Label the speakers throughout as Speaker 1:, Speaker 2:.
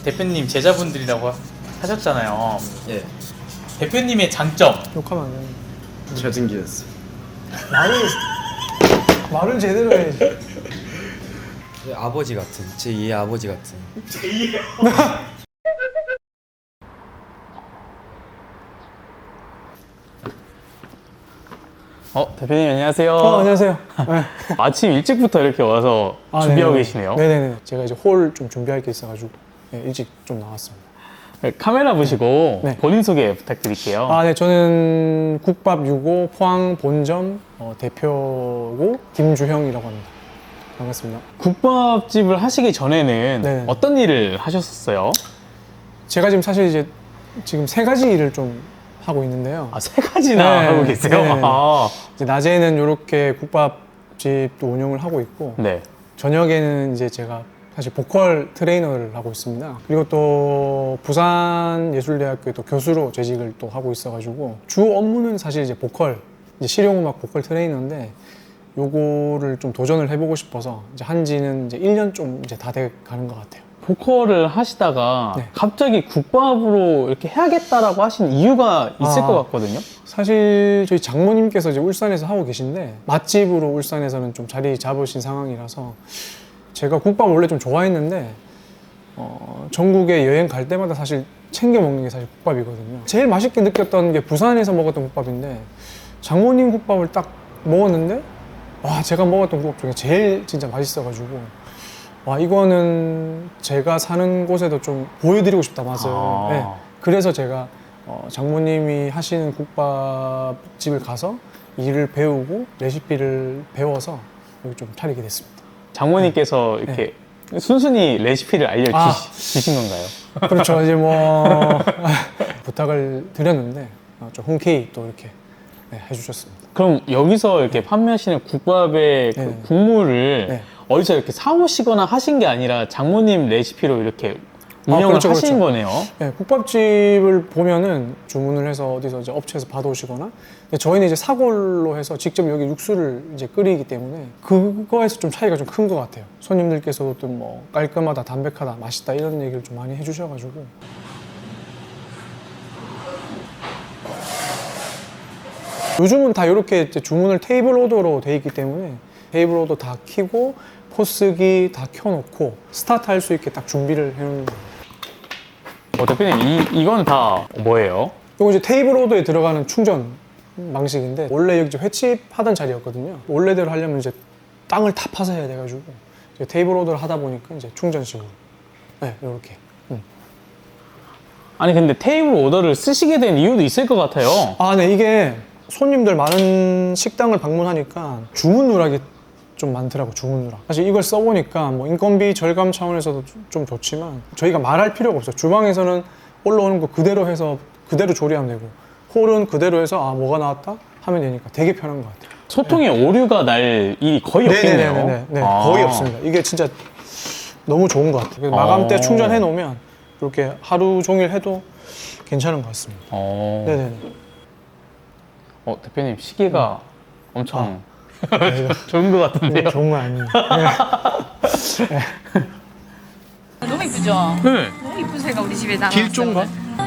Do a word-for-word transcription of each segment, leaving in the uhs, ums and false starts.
Speaker 1: 대표님 제자분들이라고 하- 하셨잖아요.
Speaker 2: 예.
Speaker 1: 대표님의 장점.
Speaker 3: 욕하면 안 돼.
Speaker 2: 잘생겼어.
Speaker 3: 말을 말을 제대로 해야지.
Speaker 2: 제 아버지 같은, 제이의 아버지 같은.
Speaker 1: 어, 대표님 안녕하세요.
Speaker 3: 어, 안녕하세요. 네.
Speaker 1: 아침 일찍부터 이렇게 와서
Speaker 3: 아,
Speaker 1: 준비하고
Speaker 3: 네네.
Speaker 1: 계시네요.
Speaker 3: 네네네. 제가 이제 홀 좀 준비할 게 있어가지고 네, 일찍 좀 나왔습니다.
Speaker 1: 네, 카메라 보시고
Speaker 3: 네.
Speaker 1: 본인 소개 부탁드릴게요.
Speaker 3: 아, 네. 저는 국밥 유고 포항 본점 어, 대표고 김주형이라고 합니다. 반갑습니다.
Speaker 1: 국밥집을 하시기 전에는
Speaker 3: 네.
Speaker 1: 어떤 일을 하셨었어요?
Speaker 3: 제가 지금 사실 이제 지금 세 가지 일을 좀 하고 있는데요.
Speaker 1: 아, 세 가지나
Speaker 3: 네.
Speaker 1: 하고 계세요?
Speaker 3: 네.
Speaker 1: 아,
Speaker 3: 이제 낮에는 이렇게 국밥집도 운영을 하고 있고
Speaker 1: 네.
Speaker 3: 저녁에는 이제 제가 사실 보컬 트레이너를 하고 있습니다. 그리고 또 부산예술대학교에 또 교수로 재직을 또 하고 있어가지고 주 업무는 사실 이제 보컬, 이제 실용음악 보컬 트레이너인데 요거를 좀 도전을 해보고 싶어서 이제 한지는 이제 일 년 좀 이제 다 돼 가는 것 같아요.
Speaker 1: 보컬을 하시다가
Speaker 3: 네.
Speaker 1: 갑자기 국밥으로 이렇게 해야겠다라고 하신 이유가 있을
Speaker 3: 아.
Speaker 1: 것 같거든요.
Speaker 3: 사실 저희 장모님께서 이제 울산에서 하고 계신데 맛집으로 울산에서는 좀 자리 잡으신 상황이라서 제가 국밥 원래 좀 좋아했는데 어, 전국에 여행 갈 때마다 사실 챙겨 먹는 게 사실 국밥이거든요. 제일 맛있게 느꼈던 게 부산에서 먹었던 국밥인데 장모님 국밥을 딱 먹었는데 와, 제가 먹었던 국밥 중에 제일 진짜 맛있어가지고 와, 이거는 제가 사는 곳에도 좀 보여드리고 싶다, 맛을.
Speaker 1: 아.
Speaker 3: 네. 그래서 제가 어, 장모님이 하시는 국밥집을 가서 일을 배우고 레시피를 배워서 여기 좀 차리게 됐습니다.
Speaker 1: 장모님께서 이렇게 순순히 레시피를 알려주신
Speaker 3: 아.
Speaker 1: 건가요?
Speaker 3: 그렇죠. 이제 뭐 부탁을 드렸는데 어, 좀 흔쾌히 또 이렇게 네, 해주셨습니다.
Speaker 1: 그럼 여기서 이렇게 판매하시는 국밥의 그
Speaker 3: 네.
Speaker 1: 국물을
Speaker 3: 네.
Speaker 1: 어디서 이렇게 사오시거나 하신 게 아니라 장모님 레시피로 이렇게
Speaker 3: 아,
Speaker 1: 운영을
Speaker 3: 그렇죠,
Speaker 1: 하신
Speaker 3: 그렇죠.
Speaker 1: 거네요.
Speaker 3: 네, 국밥집을 보면은 주문을 해서 어디서 이제 업체에서 받아오시거나 근데 저희는 이제 사골로 해서 직접 여기 육수를 이제 끓이기 때문에 그거에서 좀 차이가 좀 큰 것 같아요. 손님들께서도 좀 뭐 깔끔하다, 담백하다, 맛있다 이런 얘기를 좀 많이 해주셔가지고 요즘은 다 이렇게 이제 주문을 테이블 오더로 돼 있기 때문에 테이블 오더 다 켜고 포스기 다 켜놓고 스타트 할 수 있게 딱 준비를 해놓는 거예요.
Speaker 1: 어, 대표님, 이, 이건 다 뭐예요?
Speaker 3: 이거 이제 테이블 오더에 들어가는 충전 방식인데 원래 여기 이제 횟집 하던 자리였거든요. 원래대로 하려면 이제 땅을 다 파서 해야 돼가지고 이제 테이블 오더를 하다 보니까 이제 충전식으로 네, 이렇게. 음.
Speaker 1: 아니, 근데 테이블 오더를 쓰시게 된 이유도 있을 것 같아요.
Speaker 3: 아, 네, 이게 손님들 많은 식당을 방문하니까 주문 누락이 좀 많더라고, 주문 누락. 사실 이걸 써보니까 뭐 인건비 절감 차원에서도 좀 좋지만 저희가 말할 필요가 없어요. 주방에서는 올라오는 거 그대로 해서 그대로 조리하면 되고 홀은 그대로 해서 아, 뭐가 나왔다? 하면 되니까 되게 편한 것 같아요.
Speaker 1: 소통에 오류가 날 일이 거의 없겠네요.
Speaker 3: 네네네네. 네,
Speaker 1: 아.
Speaker 3: 거의 없습니다. 이게 진짜 너무 좋은 것 같아요. 그래서 마감 때
Speaker 1: 어.
Speaker 3: 충전해 놓으면 이렇게 하루 종일 해도 괜찮은 것 같습니다.
Speaker 1: 어.
Speaker 3: 네네네.
Speaker 1: 어, 대표님, 시계가 엄청
Speaker 3: 네, 이거
Speaker 1: 좋은 것 같은데요?
Speaker 3: 좋은 거 아니에요. 네.
Speaker 4: 너무 이쁘죠?
Speaker 1: 네.
Speaker 4: 너무 이쁜 새가 우리 집에 나가.
Speaker 3: 길종가?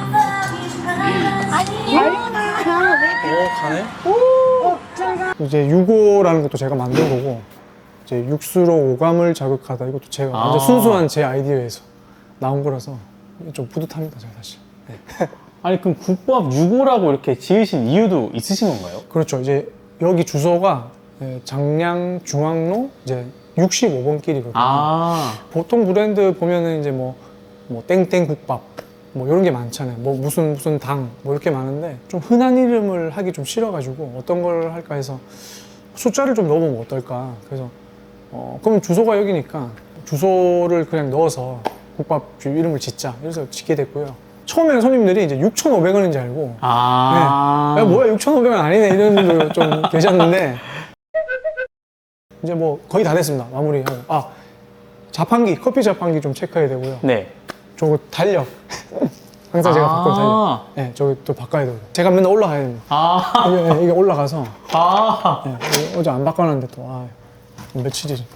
Speaker 3: 어, 가네? 이제 유고라는 것도 제가 만든 거고 이제 육수로 오감을 자극하다 이것도 제가 완전
Speaker 1: 아.
Speaker 3: 순수한 제 아이디어에서 나온 거라서 좀 뿌듯합니다, 제가 사실. 네.
Speaker 1: 아니, 그럼 국밥 유고라고 이렇게 지으신 이유도 있으신 건가요?
Speaker 3: 그렇죠. 이제 여기 주소가 예, 장량 중앙로 이제 육십오 번 길이거든요.
Speaker 1: 아.
Speaker 3: 보통 브랜드 보면은 이제 뭐, 뭐 땡땡 국밥 뭐 이런 게 많잖아요. 뭐 무슨 무슨 당 뭐 이렇게 많은데 좀 흔한 이름을 하기 좀 싫어가지고 어떤 걸 할까 해서 숫자를 좀 넣어보면 어떨까. 그래서 어 그럼 주소가 여기니까 주소를 그냥 넣어서 국밥집 이름을 짓자. 그래서 짓게 됐고요. 처음에는 손님들이 이제 육천오백 원인지 알고
Speaker 1: 아.
Speaker 3: 네. 야, 뭐야 육천오백 원 아니네 이런 분들 좀 계셨는데 이제 뭐 거의 다 됐습니다. 마무리하고 아 자판기 커피 자판기 좀 체크해야 되고요.
Speaker 1: 네.
Speaker 3: 저거 달력 항상 제가
Speaker 1: 아.
Speaker 3: 바꿔 달력. 네, 저기 또 바꿔야 되고 제가 맨날 올라가야 됩니다.
Speaker 1: 아.
Speaker 3: 이게, 이게 올라가서
Speaker 1: 아.
Speaker 3: 네, 이거 어제 안 바꿔놨는데 또 아, 며칠이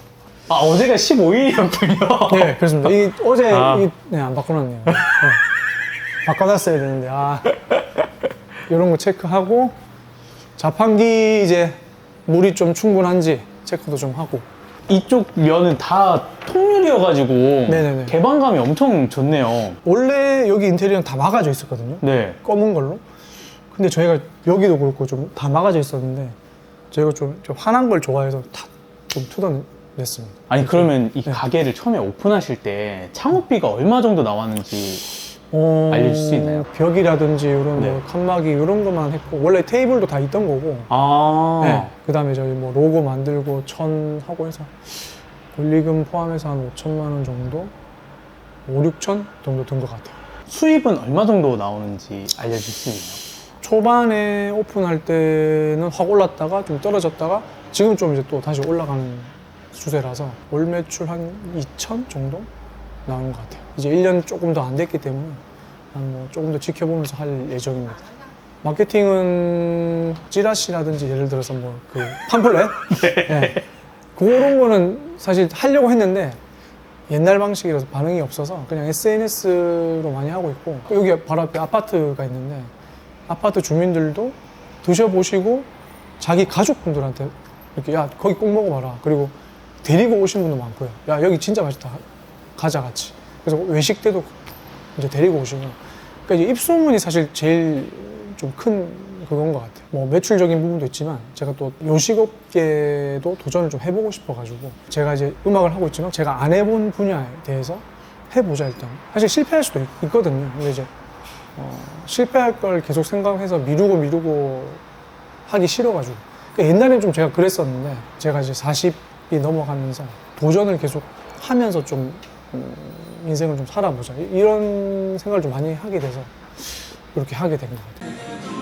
Speaker 1: 아, 어제가 십오 일이었군요.
Speaker 3: 네, 그렇습니다. 이 어제
Speaker 1: 아.
Speaker 3: 이, 네, 안 바꿔놨네요. 네. 바꿔놨어야 되는데 아 이런 거 체크하고 자판기 이제 물이 좀 충분한지 체크도 좀 하고.
Speaker 1: 이쪽 면은 다 통유리여가지고
Speaker 3: 네네네.
Speaker 1: 개방감이 엄청 좋네요.
Speaker 3: 원래 여기 인테리어는 다 막아져 있었거든요.
Speaker 1: 네.
Speaker 3: 검은 걸로. 근데 저희가 여기도 그렇고 좀 다 막아져 있었는데 저희가 좀, 좀 환한 걸 좋아해서 다 좀 뜯어냈습니다.
Speaker 1: 아니 그러면 이
Speaker 3: 네.
Speaker 1: 가게를 처음에 오픈하실 때 창업비가 얼마 정도 나왔는지
Speaker 3: 어,
Speaker 1: 알려줄 수 있나요?
Speaker 3: 벽이라든지 이런
Speaker 1: 네.
Speaker 3: 뭐 칸막이 이런 것만 했고 원래 테이블도 다 있던 거고.
Speaker 1: 아
Speaker 3: 네. 그 다음에 저희 뭐 로고 만들고 천 하고 해서 권리금 포함해서 한 오천만 원 정도, 오, 육천 정도 든 것 같아요.
Speaker 1: 수입은 얼마 정도 나오는지 알려줄 수 있나요?
Speaker 3: 초반에 오픈할 때는 확 올랐다가 좀 떨어졌다가 지금 좀 이제 또 다시 올라가는 추세라서 월 매출 한 이천 정도 나오는 것 같아요. 이제 일 년 조금 더 안 됐기 때문에 한 뭐 조금 더 지켜보면서 할 예정입니다. 마케팅은 찌라시라든지 예를 들어서 뭐 그 팜플렛? 네. 그런 거는 사실 하려고 했는데 옛날 방식이라서 반응이 없어서 그냥 에스엔에스로 많이 하고 있고 여기 바로 앞에 아파트가 있는데 아파트 주민들도 드셔보시고 자기 가족분들한테 이렇게 야 거기 꼭 먹어봐라 그리고 데리고 오신 분도 많고요. 야 여기 진짜 맛있다 가자 같이. 그래서 외식 때도 이제 데리고 오시고 그러니까 이제 입소문이 사실 제일 좀 큰 그건 것 같아요. 뭐 매출적인 부분도 있지만 제가 또 요식업계도 도전을 좀 해보고 싶어가지고 제가 이제 음악을 하고 있지만 제가 안 해본 분야에 대해서 해보자 일단. 사실 실패할 수도 있, 있거든요. 근데 이제 어, 실패할 걸 계속 생각해서 미루고 미루고 하기 싫어가지고 그러니까 옛날엔 좀 제가 그랬었는데 제가 이제 사십이 넘어가면서 도전을 계속 하면서 좀 음, 인생을 좀 살아보자 이런 생각을 좀 많이 하게 돼서 이렇게 하게 된 것 같아요.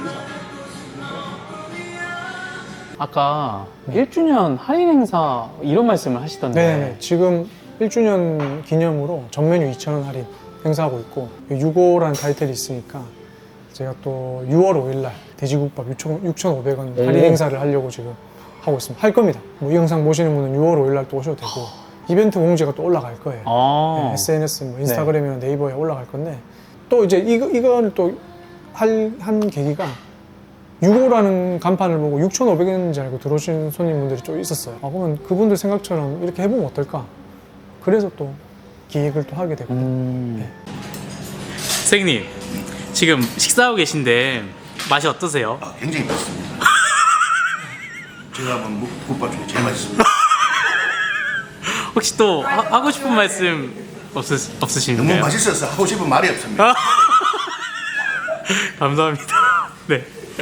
Speaker 1: 아까 일 주년 할인 행사 이런 말씀을 하시던데
Speaker 3: 네네. 지금 일 주년 기념으로 전 메뉴 이천 원 할인 행사하고 있고 육오라는 타이틀이 있으니까 제가 또 유월 오일 날 돼지국밥 육천오백 원 할인
Speaker 1: 오.
Speaker 3: 행사를 하려고 지금 하고 있습니다. 할 겁니다. 뭐 이 영상 보시는 분은 유월 오일 날 또 오셔도 되고 이벤트 공지가 또 올라갈 거예요.
Speaker 1: 아.
Speaker 3: 네, 에스엔에스, 뭐 인스타그램이나 네이버에 올라갈 건데 또 이제 이거 이거는 또 한 계기가 육오라는 간판을 보고 육천오백 원인지 알고 들어오신 손님분들이 좀 있었어요. 아, 그러면 그분들 생각처럼 이렇게 해보면 어떨까? 그래서 또 기획을 또 하게 되고.
Speaker 1: 음.
Speaker 4: 선생님 지금 식사하고 계신데 맛이 어떠세요?
Speaker 5: 아, 굉장히 맛있습니다. 제가 한번 묵- 국밥 중에 제일 맛있습니다.
Speaker 4: 혹시 또 하, 하고 싶은 말씀 없으,
Speaker 5: 너무
Speaker 4: 없으신가요?
Speaker 5: 맛있어서 하고 싶은 말이 없습니다.
Speaker 4: 감사합니다. 네.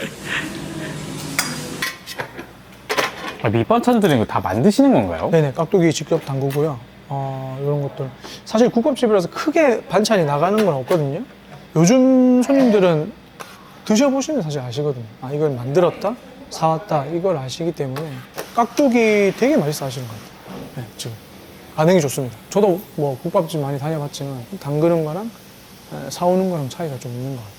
Speaker 1: 아, 밑반찬들은 이거 다 만드시는 건가요?
Speaker 3: 네네, 깍두기 직접 담그고요. 어, 이런 것들. 사실 국밥집이라서 크게 반찬이 나가는 건 없거든요. 요즘 손님들은 드셔보시면 사실 아시거든요. 아, 이걸 만들었다? 사왔다? 이걸 아시기 때문에 깍두기 되게 맛있어 하시는 것 같아요. 네, 지금. 반응이 좋습니다. 저도 뭐 국밥집 많이 다녀봤지만 담그는 거랑 에, 사오는 거랑 차이가 좀 있는 것 같아요.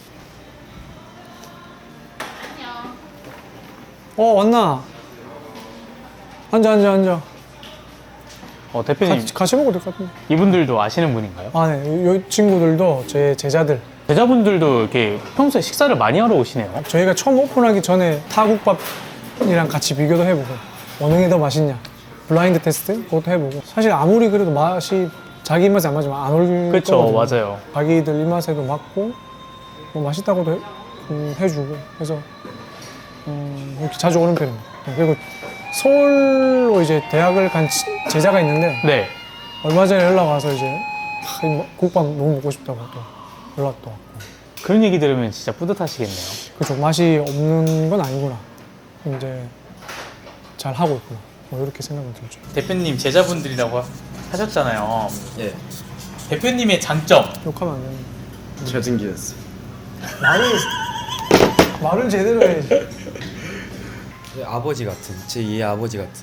Speaker 3: 어, 왔나? 앉아, 앉아, 앉아.
Speaker 1: 어, 대표님
Speaker 3: 같이, 같이 먹어도 될 것 같은데.
Speaker 1: 이분들도 아시는 분인가요?
Speaker 3: 아, 네. 요, 요 친구들도 제 제자들.
Speaker 1: 제자분들도 이렇게 평소에 식사를 많이 하러 오시네요.
Speaker 3: 저희가 처음 오픈하기 전에 타국밥이랑 같이 비교도 해보고 어느 게 더 맛있냐 블라인드 테스트 그것도 해보고 사실 아무리 그래도 맛이 자기 입맛에 안 맞으면 안 올
Speaker 1: 그쵸,
Speaker 3: 거거든요.
Speaker 1: 맞아요.
Speaker 3: 자기들 입맛에도 맞고 뭐 맛있다고도 해, 음, 해주고 그래서 음, 이렇게 자주 오는 편입니다. 그리고 서울로 이제 대학을 간 치- 제자가 있는데
Speaker 1: 네.
Speaker 3: 얼마 전에 연락 와서 이제 아, 이 국밥 너무 먹고 싶다고 또 연락도 왔고
Speaker 1: 그런 얘기 들으면 진짜 뿌듯하시겠네요.
Speaker 3: 그죠. 맛이 없는 건 아니구나. 이제 잘 하고 있구나. 뭐 이렇게 생각이 들죠.
Speaker 4: 대표님 제자분들이라고 하- 하셨잖아요.
Speaker 2: 예.
Speaker 4: 대표님의 장점.
Speaker 3: 욕하면 안 되는.
Speaker 2: 저등기였어.
Speaker 3: 말을 말을 제대로 해야지.
Speaker 2: 아버지 같은 제이의 아버지 같은.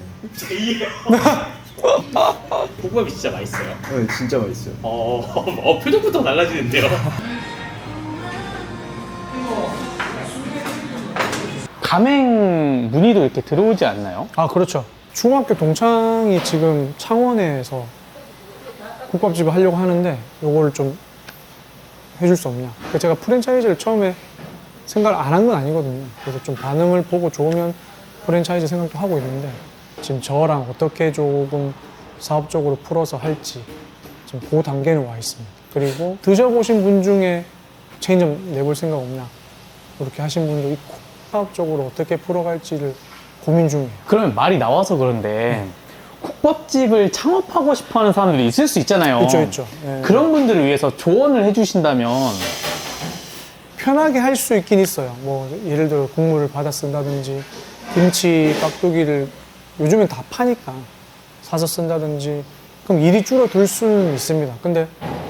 Speaker 4: 국밥이 진짜 맛있어요.
Speaker 2: 네, 진짜 맛있어요.
Speaker 4: 어, 어 표정부터 달라지는데요.
Speaker 1: 가맹 문의도 이렇게 들어오지 않나요?
Speaker 3: 아 그렇죠. 중학교 동창이 지금 창원에서 국밥집을 하려고 하는데 요거를 좀 해줄 수 없냐. 그러니까 제가 프랜차이즈를 처음에 생각을 안 한 건 아니거든요. 그래서 좀 반응을 보고 좋으면 프랜차이즈 생각도 하고 있는데 지금 저랑 어떻게 조금 사업적으로 풀어서 할지 지금 그 단계는 와 있습니다. 그리고 드셔보신 분 중에 체인점 내볼 생각 없냐 이렇게 하신 분도 있고 사업적으로 어떻게 풀어갈지를 고민 중이에요.
Speaker 1: 그러면 말이 나와서 그런데 국밥집을 창업하고 싶어하는 사람들이 있을 수 있잖아요.
Speaker 3: 있죠, 있죠. 예.
Speaker 1: 그런 분들을 위해서 조언을 해주신다면
Speaker 3: 편하게 할 수 있긴 있어요. 뭐 예를 들어 국물을 받아 쓴다든지 김치 깍두기를 요즘엔 다 파니까 사서 쓴다든지 그럼 일이 줄어들 수는 있습니다. 근데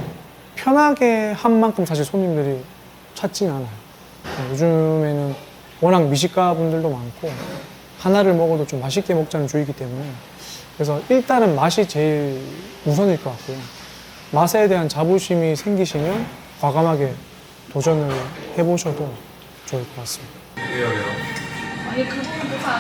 Speaker 3: 편하게 한 만큼 사실 손님들이 찾진 않아요. 요즘에는 워낙 미식가 분들도 많고 하나를 먹어도 좀 맛있게 먹자는 주의이기 때문에 그래서 일단은 맛이 제일 우선일 것 같고요. 맛에 대한 자부심이 생기시면 과감하게 도전을 해보셔도 좋을 것 같습니다.
Speaker 6: 아니 그거는 뭐가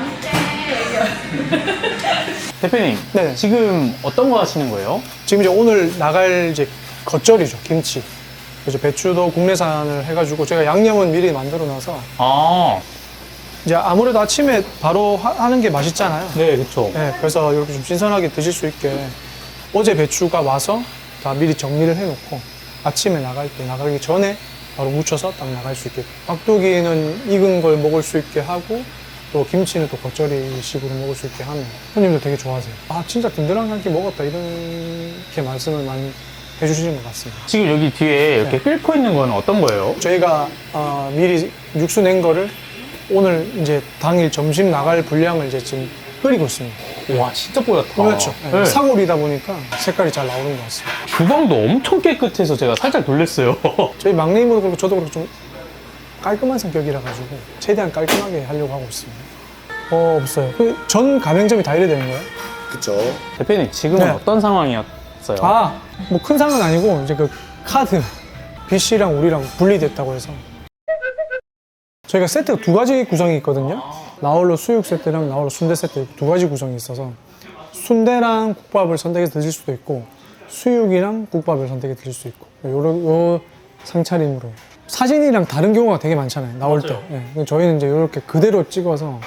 Speaker 6: 아닌데.
Speaker 1: 대표님
Speaker 3: 네.
Speaker 1: 지금 어떤 거 하시는 거예요?
Speaker 3: 지금 이제 오늘 나갈 이제 겉절이죠, 김치. 그래서 배추도 국내산을 해가지고 제가 양념은 미리 만들어놔서
Speaker 1: 아,
Speaker 3: 이제 아무래도 아침에 바로 하, 하는 게 맛있잖아요.
Speaker 1: 네, 그쵸.
Speaker 3: 네, 그래서 이렇게 좀 신선하게 드실 수 있게 어제 배추가 와서 다 미리 정리를 해놓고 아침에 나갈 때 나가기 전에 바로 무쳐서 딱 나갈 수 있게 깍두기는 익은 걸 먹을 수 있게 하고 또 김치는 또 겉절이식으로 먹을 수 있게 하면 손님들 되게 좋아하세요. 아 진짜 든든한 한 끼 먹었다 이렇게 말씀을 많이 해주시는 것 같습니다.
Speaker 1: 지금 여기 뒤에 이렇게
Speaker 3: 네.
Speaker 1: 끓고 있는 건 어떤 거예요?
Speaker 3: 저희가 어, 미리 육수 낸 거를 오늘 이제 당일 점심 나갈 분량을 이제 지금 끓이고 있습니다.
Speaker 1: 와, 진짜 뽀얗다.
Speaker 3: 그렇죠. 네.
Speaker 1: 네.
Speaker 3: 사골이다 보니까 색깔이 잘 나오는 것 같습니다.
Speaker 1: 주방도 엄청 깨끗해서 제가 살짝 놀랐어요.
Speaker 3: 저희 막내님도 그렇고 저도 그렇고 좀 깔끔한 성격이라 가지고 최대한 깔끔하게 하려고 하고 있습니다. 어 없어요. 그 전 가맹점이 다 이래 되는 거예요?
Speaker 5: 그쵸.
Speaker 1: 대표님 지금은
Speaker 3: 네.
Speaker 1: 어떤 상황이었어요?
Speaker 3: 아, 뭐 큰 상은 아니고 이제 그 카드 B 씨랑 우리랑 분리됐다고 해서 저희가 세트가 두 가지 구성이 있거든요. 나홀로 수육 세트랑 나홀로 순대 세트 두 가지 구성이 있어서 순대랑 국밥을 선택해서 드실 수도 있고 수육이랑 국밥을 선택해서 드실 수 있고 요런 요 상차림으로 사진이랑 다른 경우가 되게 많잖아요. 나올 때. 예, 저희는 이제 이렇게 그대로 찍어서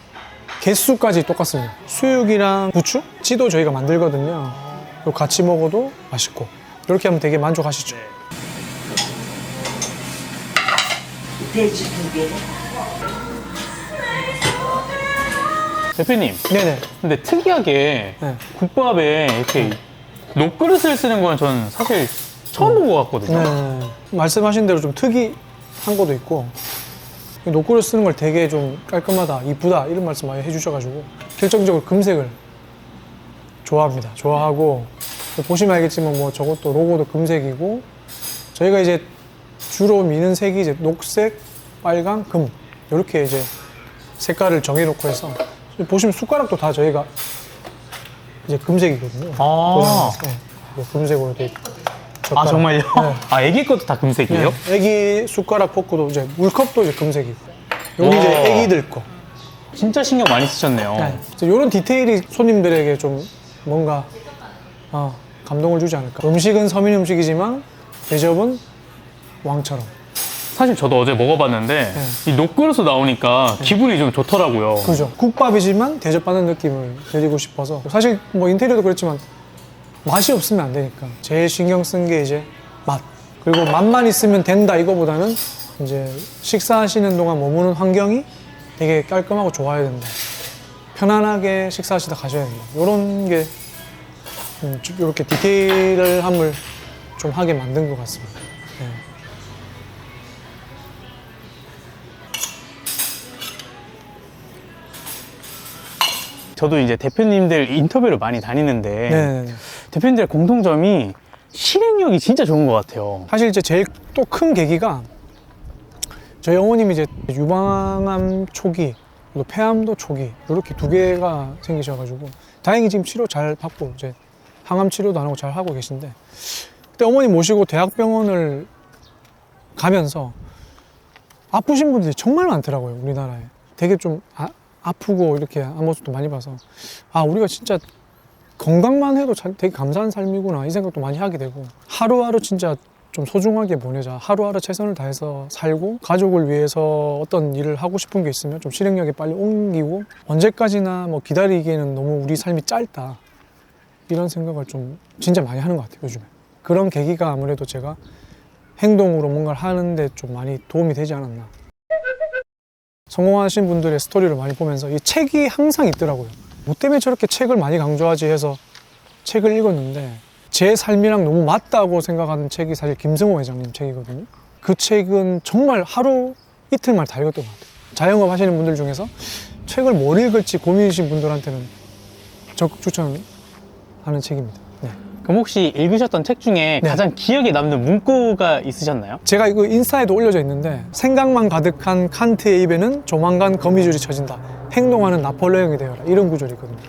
Speaker 3: 개수까지 똑같습니다. 수육이랑 부추? 찌도 저희가 만들거든요. 이거 같이 먹어도 맛있고 이렇게 하면 되게 만족하시죠.
Speaker 1: 대표님,
Speaker 3: 네네.
Speaker 1: 근데 특이하게
Speaker 3: 네.
Speaker 1: 국밥에 이렇게 녹그릇을 쓰는 건 저는 사실 처음 본 것 같거든요.
Speaker 3: 네. 말씀하신 대로 좀 특이한 것도 있고 녹그릇 쓰는 걸 되게 좀 깔끔하다, 이쁘다 이런 말씀 많이 해주셔가지고 결정적으로 금색을 좋아합니다. 좋아하고 보시면 알겠지만 뭐 저것도 로고도 금색이고 저희가 이제 주로 미는 색이 이제 녹색, 빨강, 금 이렇게 이제 색깔을 정해놓고 해서 보시면 숟가락도 다 저희가 이제 금색이거든요.
Speaker 1: 아.
Speaker 3: 네. 뭐 금색으로 돼 있고.
Speaker 1: 아,
Speaker 3: 젓가락.
Speaker 1: 정말요?
Speaker 3: 네.
Speaker 1: 아, 애기 것도 다 금색이에요?
Speaker 3: 네. 애기 숟가락 포크도 이제 물컵도 이제 금색이고 여기
Speaker 1: 와.
Speaker 3: 이제 애기들 거.
Speaker 1: 진짜 신경 많이 쓰셨네요.
Speaker 3: 네. 이런 디테일이 손님들에게 좀 뭔가 어, 감동을 주지 않을까. 음식은 서민 음식이지만 대접은 왕처럼.
Speaker 1: 사실 저도 어제 먹어봤는데
Speaker 3: 네.
Speaker 1: 이 녹그릇으로 나오니까 기분이 좀 좋더라고요.
Speaker 3: 그죠. 국밥이지만 대접받는 느낌을 드리고 싶어서 사실 뭐 인테리어도 그렇지만 맛이 없으면 안 되니까 제일 신경 쓴 게 이제 맛. 그리고 맛만 있으면 된다 이거보다는 이제 식사하시는 동안 머무는 환경이 되게 깔끔하고 좋아야 된다. 편안하게 식사하시다 가셔야 된다. 이런 게 음, 이렇게 디테일함을 좀 하게 만든 것 같습니다. 네.
Speaker 1: 저도 이제 대표님들 인터뷰를 많이 다니는데
Speaker 3: 네.
Speaker 1: 대표님들의 공통점이 실행력이 진짜 좋은 것 같아요.
Speaker 3: 사실 이제 제일 또 큰 계기가 저희 어머님이 이제 유방암 초기, 또 폐암도 초기 이렇게 두 개가 생기셔가지고 다행히 지금 치료 잘 받고 이제 항암 치료도 안 하고 잘 하고 계신데 그때 어머님 모시고 대학병원을 가면서 아프신 분들이 정말 많더라고요. 우리나라에 되게 좀 아, 아프고 이렇게 한 모습도 많이 봐서 아 우리가 진짜 건강만 해도 참 되게 감사한 삶이구나 이 생각도 많이 하게 되고 하루하루 진짜 좀 소중하게 보내자 하루하루 최선을 다해서 살고 가족을 위해서 어떤 일을 하고 싶은 게 있으면 좀 실행력에 빨리 옮기고 언제까지나 뭐 기다리기에는 너무 우리 삶이 짧다 이런 생각을 좀 진짜 많이 하는 것 같아요 요즘에. 그런 계기가 아무래도 제가 행동으로 뭔가를 하는데 좀 많이 도움이 되지 않았나. 성공하신 분들의 스토리를 많이 보면서 이 책이 항상 있더라고요. 뭐 때문에 저렇게 책을 많이 강조하지 해서 책을 읽었는데 제 삶이랑 너무 맞다고 생각하는 책이 사실 김승호 회장님 책이거든요. 그 책은 정말 하루 이틀만 다 읽었던 것 같아요. 자영업 하시는 분들 중에서 책을 뭘 읽을지 고민이신 분들한테는 적극 추천하는 책입니다. 네.
Speaker 1: 그럼 혹시 읽으셨던 책 중에
Speaker 3: 네.
Speaker 1: 가장 기억에 남는 문구가 있으셨나요?
Speaker 3: 제가 이거 인스타에도 올려져 있는데 생각만 가득한 칸트의 입에는 조만간 거미줄이 쳐진다. 행동하는 나폴레옹이 되어라. 이런 구절이 있거든요.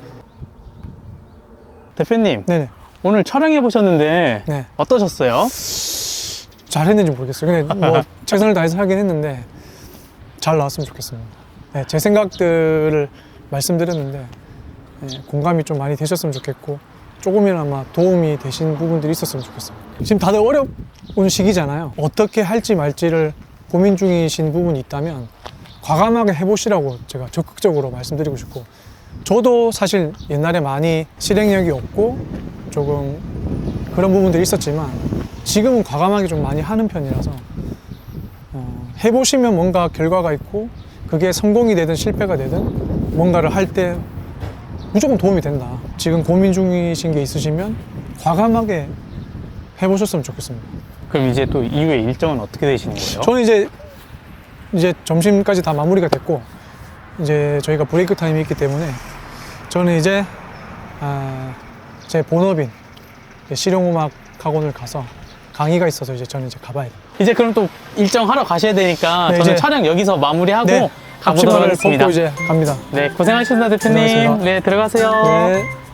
Speaker 1: 대표님,
Speaker 3: 네네.
Speaker 1: 오늘 촬영해 보셨는데
Speaker 3: 네.
Speaker 1: 어떠셨어요?
Speaker 3: 잘했는지 모르겠어요. 근데 뭐 최선을 다해서 하긴 했는데 잘 나왔으면 좋겠습니다. 네, 제 생각들을 말씀드렸는데 네, 공감이 좀 많이 되셨으면 좋겠고 조금이나마 도움이 되신 부분들이 있었으면 좋겠습니다. 지금 다들 어려운 시기잖아요. 어떻게 할지 말지를 고민 중이신 부분이 있다면 과감하게 해보시라고 제가 적극적으로 말씀드리고 싶고 저도 사실 옛날에 많이 실행력이 없고 조금 그런 부분들이 있었지만 지금은 과감하게 좀 많이 하는 편이라서 어, 해보시면 뭔가 결과가 있고 그게 성공이 되든 실패가 되든 뭔가를 할 때 무조건 도움이 된다. 지금 고민 중이신 게 있으시면 과감하게 해보셨으면 좋겠습니다.
Speaker 1: 그럼 이제 또 이후에 일정은 어떻게 되시는 거예요?
Speaker 3: 저는 이제 이제 점심까지 다 마무리가 됐고 이제 저희가 브레이크 타임이 있기 때문에 저는 이제 아, 제 본업인 실용음악 학원을 가서 강의가 있어서 이제 저는 이제 가봐야 돼요.
Speaker 1: 이제 그럼 또 일정 하러 가셔야 되니까
Speaker 3: 네,
Speaker 1: 저는
Speaker 3: 이제-
Speaker 1: 촬영 여기서 마무리하고
Speaker 3: 네,
Speaker 1: 가보도록
Speaker 3: 앞치마를
Speaker 1: 하겠습니다.
Speaker 3: 벗고 이제 갑니다.
Speaker 1: 네, 고생하셨습니다, 대표님.
Speaker 3: 고생하셨습니다.
Speaker 1: 네, 들어가세요.
Speaker 3: 네.